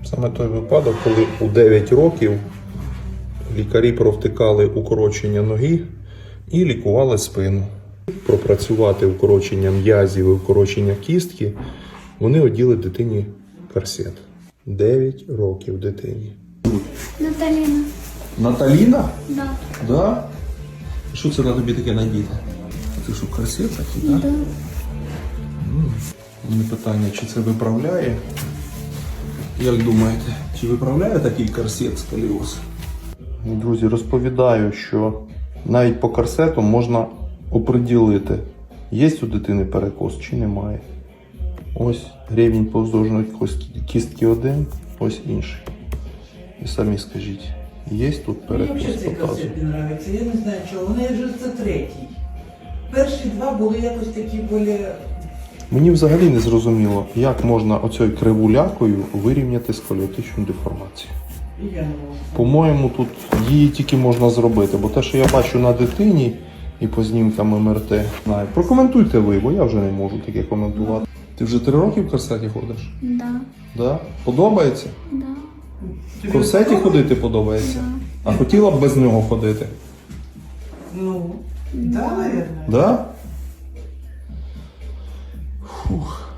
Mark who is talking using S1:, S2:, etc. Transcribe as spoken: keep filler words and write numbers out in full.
S1: Саме той випадок, коли у дев'ять років лікарі провтикали укорочення ноги і лікували спину. Пропрацювати укорочення м'язів і укорочення кістки, вони оділи дитині корсет. дев'ять років дитині.
S2: Наталіна.
S1: Наталіна?
S2: Да.
S1: Да? Що це на тобі таке надіти? Це що, корсет такий, так?
S2: Да.
S1: У мене питання, чи це виправляє? Як думаєте, чи виправляє такий корсет сколіоз? Друзі, розповідаю, що навіть по корсету можна оприділити, є у дитини перекос чи немає. Ось рівень повздовжної кістки один, ось інший. І самі скажіть, є тут перекос
S3: Мені взагалі цей
S1: по тазу?
S3: корсет не подобається, я не знаю чого. Вони вже це третій. Перші два були якось такі більш...
S1: Мені взагалі не зрозуміло, як можна оцею кривулякою вирівняти сколіотичну деформацію.
S3: І я не можу.
S1: По-моєму, тут її тільки можна зробити, бо те, що я бачу на дитині і по знімкам ем ер те, знаю. Прокоментуйте ви, бо я вже не можу таке коментувати. Ти вже три роки в корсеті ходиш?
S2: Да.
S1: Да? Подобається?
S2: Да.
S1: В корсеті ходити подобається? А хотіла б без нього ходити?
S3: Ну, да, наверное.
S1: Да? Фух.